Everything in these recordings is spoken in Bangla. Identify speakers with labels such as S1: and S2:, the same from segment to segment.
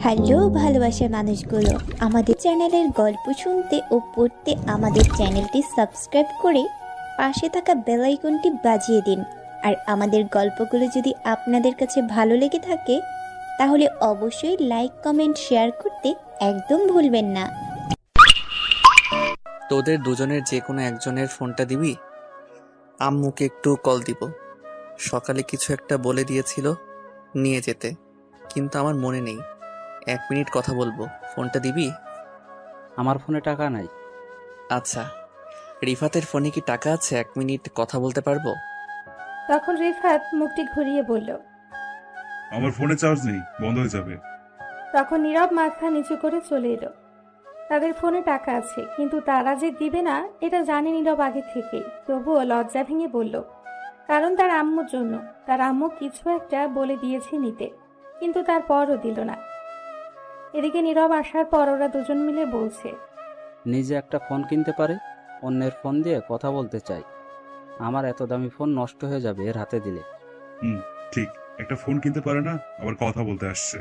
S1: হ্যালো ভালোবাসার মানুষগুলো, আমাদের চ্যানেলের গল্প শুনতে ও পড়তে আমাদের চ্যানেলটি সাবস্ক্রাইব করে পাশে থাকা বেল আইকনটি বাজিয়ে দিন। আর আমাদের গল্পগুলো যদি আপনাদের কাছে ভালো লেগে থাকে তাহলে অবশ্যই লাইক কমেন্ট শেয়ার করতে একদম ভুলবেন না।
S2: তোদের দুজনের যে কোনো একজনের ফোনটা দিবি? আম্মুকে একটু কল দিব। সকালে কিছু একটা বলে দিয়েছিল নিয়ে যেতে, কিন্তু আমার মনে নেই। 1 মিনিট কথা বলবো, ফোনটা দিবি?
S3: আমার ফোনে টাকা নাই।
S2: আচ্ছা, রিফাতের ফোনে কি টাকা আছে? 1 মিনিট কথা বলতে পারবো?
S4: তখন রিফাত মুখটি ঘুরিয়ে বলল।
S5: আমার ফোনে চার্জ নেই, বন্ধ হয়ে যাবে।
S4: তখন নীরব মাথা নিচু করে চলে এলো। তাদের ফোনে টাকা আছে, কিন্তু তারা যে দিবে না এটা জানে নীরব আগে থেকেই। তবুও লজ্জা ভেঙে বলল, কারণ তার আম্মুর জন্য। তার আম্মু কিছু একটা বলে দিয়েছে নিতে, কিন্তু তারপরও দিল না। এদিকে নীরব আসার পর ওরা দুজন মিলে বলছে,
S3: নিজে একটা ফোন কিনতে পারে, অন্যের ফোন দিয়ে কথা বলতে চাই। আমার এত দামি ফোন নষ্ট হয়ে যাবে এর হাতে দিলে।
S5: ঠিক, একটা ফোন কিনতে পারে না, আবার কথা বলতে আসছে।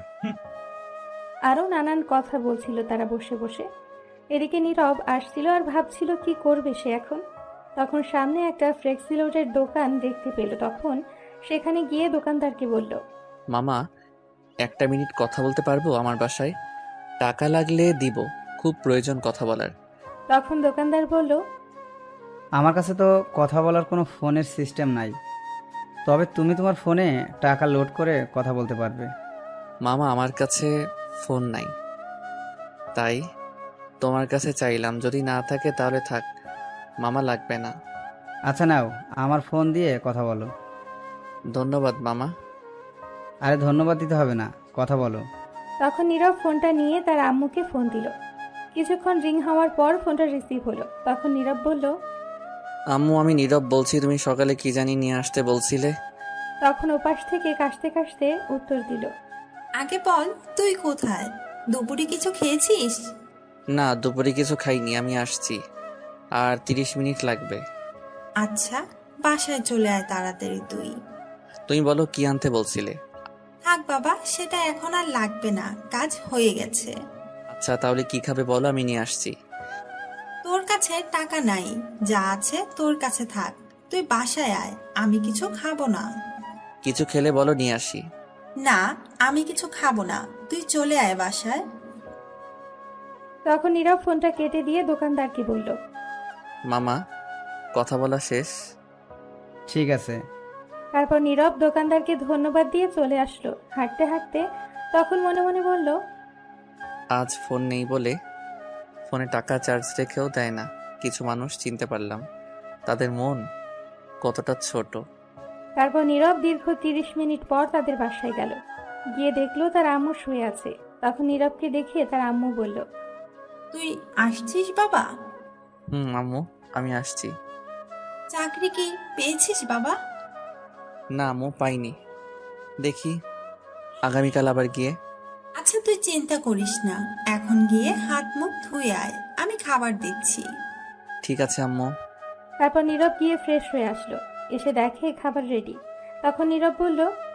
S4: আরও নানান কথা বলছিল তারা বসে বসে। এদিকে নীরব আসছিল আর ভাবছিল কি করবে সে এখন। তখন সামনে একটা ফ্লেক্সিলোডের দোকান দেখতে পেল। তখন সেখানে গিয়ে দোকানদারকে বলল,
S2: মামা, 1 মিনিট কথা বলতে পারবো? আমার বাসায় টাকা লাগলে দিব, খুব প্রয়োজন কথা বলার।
S4: তখন দোকানদার বলল,
S6: আমার কাছে তো কথা বলার কোনো ফোনের সিস্টেম নাই, তবে তুমি তোমার ফোনে টাকা লোড করে কথা বলতে পারবে।
S2: মামা, আমার কাছে ফোন নাই, তাই তোমার কাছে চাইলাম। যদি না থাকে তাহলে থাক মামা, লাগবে না।
S6: আচ্ছা নাও, আমার ফোন দিয়ে কথা বলো।
S2: ধন্যবাদ মামা।
S6: আরে ধন্যবাদ দিতে হবে না, কথা বলো।
S4: তখন নীরব ফোনটা নিয়ে তার আম্মুকে ফোন দিল। কিছুক্ষণ রিং হওয়ার পর ফোনটা রিসিভ হলো। তখন নীরব বলল,
S2: আম্মু, আমি নীরব বলছি। তুমি সকালে কি জানি নিয়ে আসতে বলছিলে?
S4: তখন ওপাশ থেকে কাশতে কাশতে উত্তর দিল,
S7: আগে বল, তুই কোথায়? দুপুরে কিছু খেয়েছিস?
S2: না, দুপুরে কিছু খাইনি, আমি আসছি। আর 30 মিনিট লাগবে।
S7: আচ্ছা, বাসায় চলে আয় তাড়াতাড়ি তুই।
S2: তুমি বলো, কি আনতে বলছিলে?
S7: থাক বাবা, সেটা এখন আর লাগবে না, কাজ হয়ে গেছে।
S2: আচ্ছা, তাহলে কি খাবে বলো, আমি নিয়ে আসছি।
S7: তোর কাছে টাকা নাই, যা আছে তোর কাছে থাক। তুই বাসায় আয়, আমি কিছু খাবো না।
S2: কিছু খেলে বলো, নিয়ে আসি।
S7: না, আমি কিছু খাবো না, তুই চলে আয় বাসায়।
S4: তখন নীরব ফোনটা কেটে দিয়ে দোকানদারকে বলল,
S2: মামা, কথা বলা শেষ।
S6: ঠিক আছে।
S4: তারপর নীরব দোকানদারকে ধন্যবাদ দিয়ে চলে আসলো হাঁটতে হাঁটতে। তখন মনে মনে বলল,
S2: আজ ফোন নেই বলে ফোনে টাকা চার্জ রেখেও দেয় না। কিছু মানুষ চিনতে পারলাম, তাদের মন কতটা ছোট।
S4: তারপর নীরব দীর্ঘ 30 মিনিট পর তাদের বাসায় গেল। গিয়ে দেখলো তার আম্মু শুয়ে আছে। তখন নীরবকে দেখে তার আম্মু বলল,
S7: তুই আসছিস বাবা?
S2: আম্মু, আমি আসছি।
S7: চাকরি কি পেয়েছিস বাবা?
S2: না আম্মু, পাইনি। দেখি আগামীকাল আবার গিয়ে।
S7: আচ্ছা, তুই চিন্তা করিস না, এখন গিয়ে হাত মুখ ধুয়ে আয়, আমি খাবার দিচ্ছি।
S2: ঠিক আছে আম্মু।
S4: তারপর নীরব গিয়ে ফ্রেশ হয়ে আসলো। এসে দেখে খাবার রেডি। তখন নীরব বলল,